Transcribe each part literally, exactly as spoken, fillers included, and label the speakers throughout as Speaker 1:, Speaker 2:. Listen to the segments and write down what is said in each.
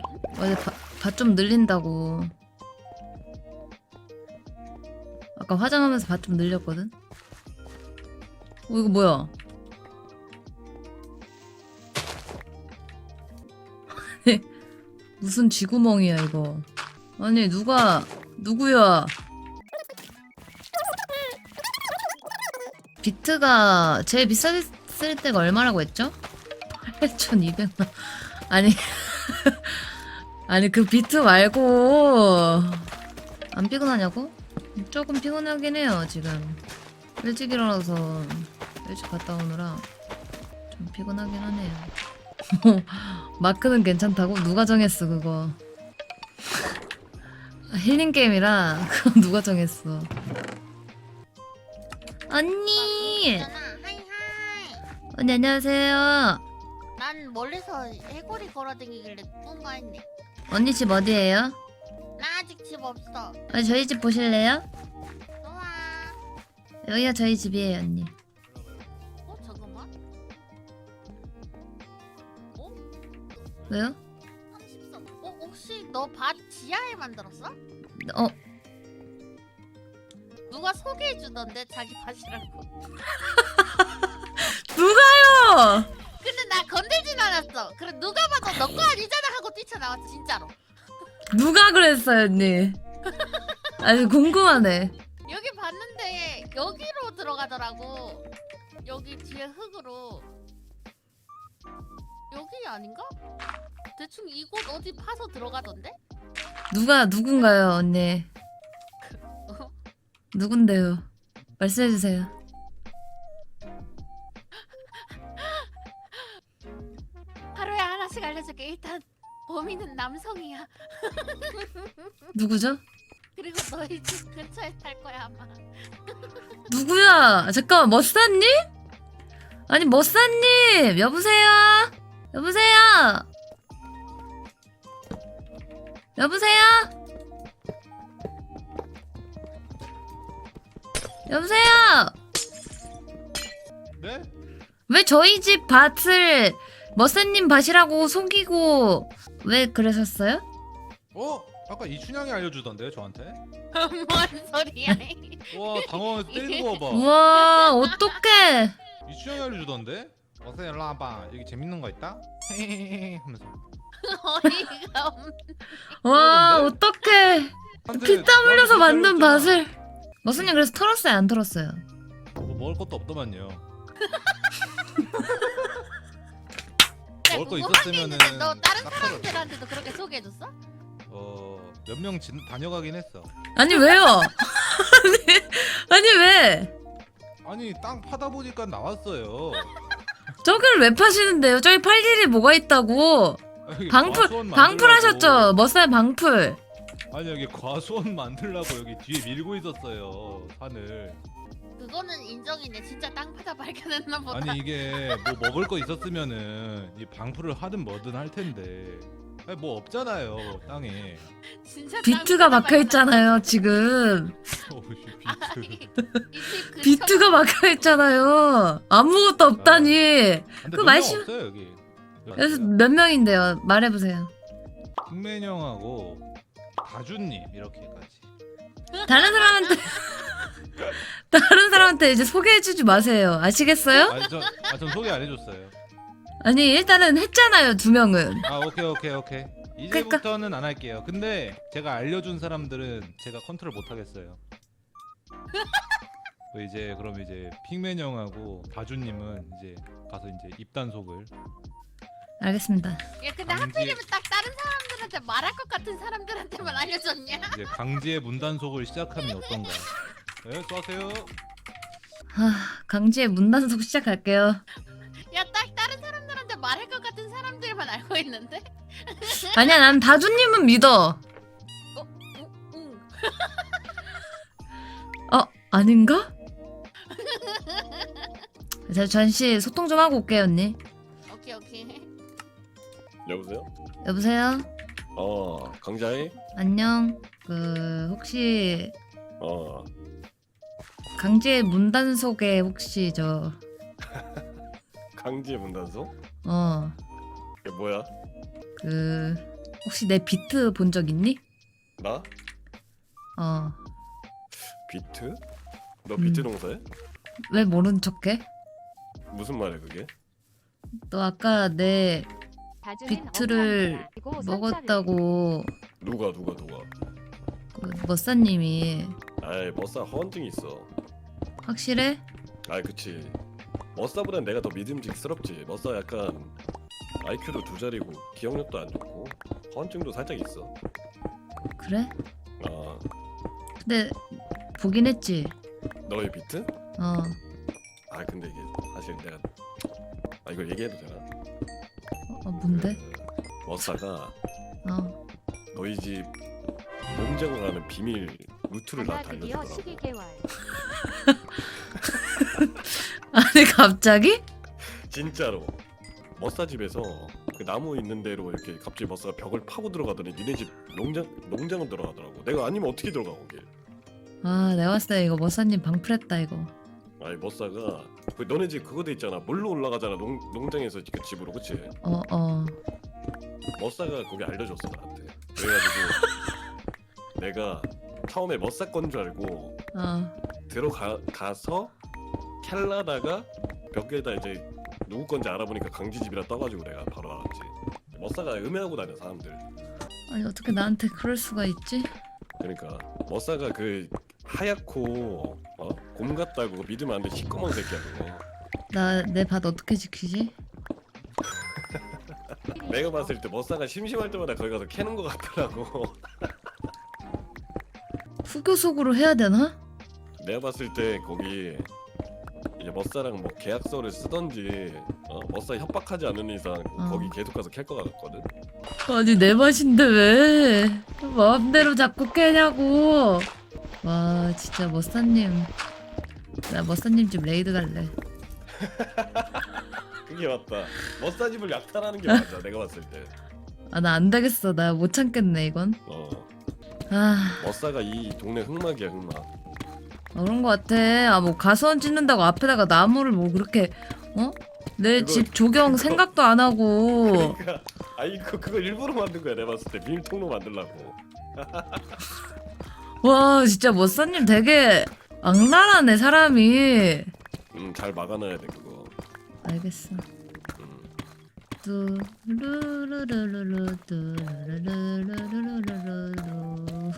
Speaker 1: 어제 밭 좀 늘린다고. 아까 화장하면서 밭 좀 늘렸거든. 어 이거 뭐야? 무슨 쥐구멍이야 이거. 아니 누가 누구야? 비트가 제일 비쌌을 때가 얼마라고 했죠? 팔천이백만. 아니 아니 그 비트 말고 안 피곤하냐고? 조금 피곤하긴 해요 지금. 일찍 일어나서 일찍 갔다 오느라 좀 피곤하긴 하네요. 마크는 괜찮다고? 누가 정했어 그거. 힐링 게임이라 그건 누가 정했어. 언니!
Speaker 2: 있잖아. 하이 하이.
Speaker 1: 언니 안녕하세요.
Speaker 2: 난 멀리서 해골이 걸어다니길래 뭔가 했네.
Speaker 1: 언니 집 어디예요?
Speaker 2: 나 아직 집 없어.
Speaker 1: 아, 저희 집 보실래요?
Speaker 2: 좋아.
Speaker 1: 여기가 저희 집이에요 언니.
Speaker 2: 어 잠깐만. 어?
Speaker 1: 왜요?
Speaker 2: 삼십삼. 어 혹시 너 밭 지하에 만들었어?
Speaker 1: 어?
Speaker 2: 누가 소개해 주던데 자기 밭이라고.
Speaker 1: 누가요?
Speaker 2: 근데 나 건들진 않았어. 그래 누가 봐도 너 거 아니잖아 하고 뛰쳐나왔어 진짜로.
Speaker 1: 누가 그랬어요 언니? 아니 궁금하네.
Speaker 2: 여기 봤는데 여기로 들어가더라고. 여기 뒤에 흙으로. 여기 아닌가? 대충 이곳 어디 파서 들어가던데?
Speaker 1: 누가 누군가요 언니?
Speaker 2: 어?
Speaker 1: 누군데요? 말씀해주세요.
Speaker 2: 하루에 하나씩 알려줄게. 일단 범인은 남성이야.
Speaker 1: 누구죠?
Speaker 2: 그리고 너희 집 근처에 살 거야 아마.
Speaker 1: 누구야? 잠깐만 머싸님? 아니 머싸님 여보세요? 여보세요? 여보세요? 여보세요?
Speaker 3: 네?
Speaker 1: 왜 저희 집 밭을 머싸님 밭이라고 속이고 왜 그러셨어요?
Speaker 3: 어? 아까 이춘향이 알려주던데 저한테?
Speaker 2: 뭔 소리야?
Speaker 3: 와 당황해서 때리는 거 봐봐.
Speaker 1: 우와 어떡해.
Speaker 3: 이춘향이 알려주던데? 어서 일로 와봐. 여기 재밌는 거 있다? 헤헤헤 하면서.
Speaker 2: 어이가 없네.
Speaker 1: 와 어떡해.
Speaker 3: 근데
Speaker 1: 피땀 흘려서
Speaker 3: 나한테
Speaker 1: 만든
Speaker 3: 때렸잖아.
Speaker 1: 밭을. 머싸님 그래서 털었어요 안 털었어요?
Speaker 3: 뭐 먹을 것도 없더만요.
Speaker 2: 야,
Speaker 3: 먹을 거
Speaker 2: 궁금한 게
Speaker 3: 있었으면은
Speaker 2: 있는데 너 다른
Speaker 3: 딱 털어.
Speaker 2: 사람들한테도 그렇게 소개해줬어?
Speaker 3: 어몇 명 다녀가긴 했어.
Speaker 1: 아니 왜요? 아니, 아니 왜?
Speaker 3: 아니 땅 파다 보니까 나왔어요.
Speaker 1: 저기를 왜 파시는데요? 저기 팔 일이 뭐가 있다고.
Speaker 3: 여기
Speaker 1: 방풀
Speaker 3: 과수원
Speaker 1: 방풀
Speaker 3: 만들라고.
Speaker 1: 하셨죠? 머싸님 방풀.
Speaker 3: 아니 여기 과수원 만들라고 여기 뒤에 밀고 있었어요 산을.
Speaker 2: 그거는 인정이네. 진짜 땅 파다 발견했나 보다.
Speaker 3: 아니 이게 뭐 먹을 거 있었으면은 이 방풀을 하든 뭐든 할 텐데. 아니 뭐 없잖아요 땅에.
Speaker 2: 진짜
Speaker 1: 비트가 막혀 있잖아요 지금.
Speaker 3: 어우씨 비트.
Speaker 2: 그
Speaker 1: 비트가 막혀 있잖아요. 아무것도 없다니.
Speaker 3: 근데
Speaker 1: 그
Speaker 3: 그
Speaker 1: 말씀-
Speaker 3: 말씀 없어요 여기.
Speaker 1: 그래서 몇 명인데요? 말해보세요.
Speaker 3: 국맨 형하고 다주님 이렇게까지.
Speaker 1: 다른 사람한테 다른 사람한테 이제 소개해주지 마세요. 아시겠어요?
Speaker 3: 아니 전, 아, 전 소개 안 해줬어요.
Speaker 1: 아니 일단은 했잖아요 두 명은.
Speaker 3: 아 오케이 오케이 오케이. 이제부터는 안 할게요. 근데 제가 알려준 사람들은 제가 컨트롤 못 하겠어요. 뭐 이제 그럼 이제 핑맨 형하고 다주님은 이제 가서 이제 입단속을.
Speaker 1: 알겠습니다.
Speaker 2: 야 근데
Speaker 3: 강제-
Speaker 2: 하필이면 딱 다른 사람들한테 말할 것 같은 사람들한테만 알려줬냐?
Speaker 3: 이제 강제 문단속을 시작하면 어떤가? 네, 수고하세요.
Speaker 1: 하, 강지의 문단속 시작할게요.
Speaker 2: 야 딱 다른 사람들한테 말할 것 같은 사람들만 알고 있는데?
Speaker 1: 아니야 난 다주님은 믿어.
Speaker 2: 응, 응.
Speaker 1: 어 아닌가? 제가 잠시 소통 좀 하고 올게요 언니.
Speaker 2: 오케이 오케이.
Speaker 4: 여보세요?
Speaker 1: 여보세요?
Speaker 4: 어 강자희?
Speaker 1: 안녕. 그 혹시
Speaker 4: 어
Speaker 1: 강지의 문단속에 혹시 저
Speaker 4: 강제 문단속?
Speaker 1: 어,
Speaker 4: 이게 뭐야?
Speaker 1: 그 혹시 내 비트 본 적 있니?
Speaker 4: 나?
Speaker 1: 어.
Speaker 4: 비트? 너
Speaker 1: 음.
Speaker 4: 비트 농사해?
Speaker 1: 왜 모른 척해?
Speaker 4: 무슨 말이야 그게?
Speaker 1: 너 아까 내 비트를 먹었다고
Speaker 4: 누가 누가 누가?
Speaker 1: 그 머싸님이.
Speaker 4: 아이 머싸 허언증이 있어.
Speaker 1: 확실해?
Speaker 4: 아이 그치. 머싸보단 내가 더 믿음직스럽지. 머싸 약간 아이큐도 두 자리고 기억력도 안 좋고 허언증도 살짝 있어.
Speaker 1: 그래?
Speaker 4: 아
Speaker 1: 근데 보긴 했지.
Speaker 4: 너의 비트?
Speaker 1: 어.
Speaker 4: 아 근데 이게 사실 내가 아 이걸 얘기해도 되나?
Speaker 1: 어, 어 뭔데?
Speaker 4: 그 머싸가
Speaker 1: 어.
Speaker 4: 너희 집 농장을 가는 비밀 루트를 나한테
Speaker 2: 드디어
Speaker 4: 알려주더라고.
Speaker 2: 십이 개월.
Speaker 1: 아니 갑자기?
Speaker 4: 진짜로 머싸 집에서 그 나무 있는 대로 이렇게 갑자기 머싸가 벽을 파고 들어가더니 니네 집 농장 농장은 들어가더라고. 내가 아니면 어떻게 들어가 거기?
Speaker 1: 아 내가 봤을 때 이거 머싸님 방풀했다 이거.
Speaker 4: 아니 머싸가 그 너네 집 그거 돼 있잖아. 물로 올라가잖아. 농 농장에서 그 집으로 그치?
Speaker 1: 어 어.
Speaker 4: 머싸가 거기 알려줬어 나한테. 그래가지고 내가 처음에 머싸 건 줄 알고
Speaker 1: 어.
Speaker 4: 들어가 가서 캘라다가 벽에다 이제 누구 건지 알아보니까 강지 집이라 떠가지고 내가 바로 알았지. 머싸가 음해하고 다녀 사람들.
Speaker 1: 아니 어떻게 나한테 그럴 수가 있지?
Speaker 4: 그러니까 머싸가 그 하얗고 어? 곰 같다고 믿으면 안 돼. 시꺼먼 새끼야 그거.
Speaker 1: 나 내 밭 어떻게 지키지?
Speaker 4: 내가 봤을 때 머싸가 심심할 때마다 거기 가서 캐는 거 같더라고.
Speaker 1: 후교속으로 해야 되나?
Speaker 4: 내가 봤을 때 거기 이제 머싸랑 뭐 계약서를 쓰던지 어? 머싸 협박하지 않는 이상
Speaker 1: 어.
Speaker 4: 거기 계속 가서 캘 거 같거든.
Speaker 1: 아니 내 맛인데 왜 마음대로 자꾸 깨냐고. 와 진짜 머싸님. 나 머싸님 집 레이드 갈래.
Speaker 4: 그게 맞다. 머싸 집을 약탈하는 게 맞아. 내가 봤을 때.
Speaker 1: 아 나 안 되겠어. 나 못 참겠네 이건.
Speaker 4: 어.
Speaker 1: 아
Speaker 4: 머싸가 이 동네 흑막이야 흑막.
Speaker 1: 그런 거 같아. 아 뭐 가수원 짓는다고 앞에다가 나무를 뭐 그렇게 어? 내
Speaker 4: 그거-
Speaker 1: 집 조경
Speaker 4: 그거-
Speaker 1: 생각도 안 하고.
Speaker 4: 그러니까 아 이거 그거 일부러 만든 거야. 내가 봤을 때 비밀 통로 만들라고.
Speaker 1: 와 진짜 머싸님 되게 악랄하네 사람이.
Speaker 4: 음잘 막아놔야 돼 그거.
Speaker 1: 알겠어.
Speaker 4: 음.
Speaker 1: 뚜루루루루루 뚜루루루루루루루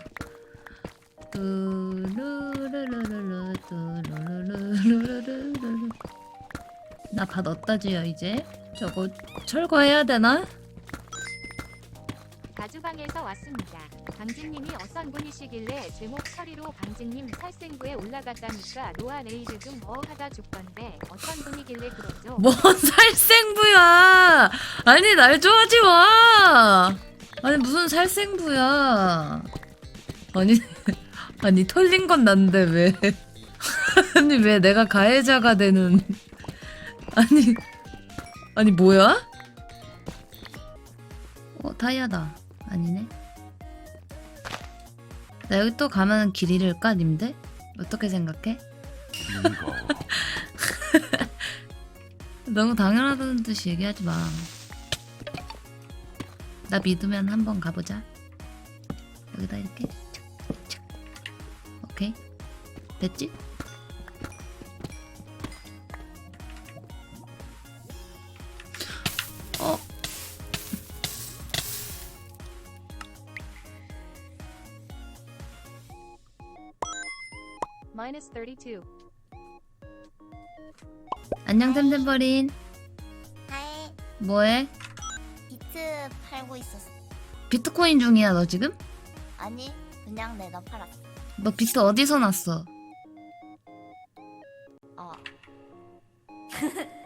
Speaker 1: 뚜루루루루루 뚜루루루루루루. 나 밭 어디다 지어 이제? 저거 철거해야 되나?
Speaker 5: 가주방에서 왔습니다. 강진님이 어떤 분이시길래 제목 처리로 강진님 살생부에 올라갔다니까 로아 레이드 좀 뭐 하다 죽던데 어떤 분이길래 그러죠?
Speaker 1: 뭔 살생부야? 아니 날 좋아하지 마. 아니 무슨 살생부야? 아니 아니 털린 건 난데 왜? 아니 왜 내가 가해자가 되는? 아니 아니 뭐야? 어 다이아다. 아니네. 나 여기 또 가면 길 잃을까 님들? 어떻게 생각해? 너무 당연하다는 듯이 얘기하지 마. 나 믿으면 한번 가보자. 여기다 이렇게 착착착. 오케이 됐지? 어
Speaker 5: 마이너스 삼십이.
Speaker 1: 안녕 템템버린.
Speaker 2: 하이.
Speaker 1: 뭐해?
Speaker 2: 비트 팔고 있었어.
Speaker 1: 비트코인 중이야 너 지금?
Speaker 2: 아니 그냥 내가 팔았어.
Speaker 1: 너 비트 어디서 났어?
Speaker 2: 어.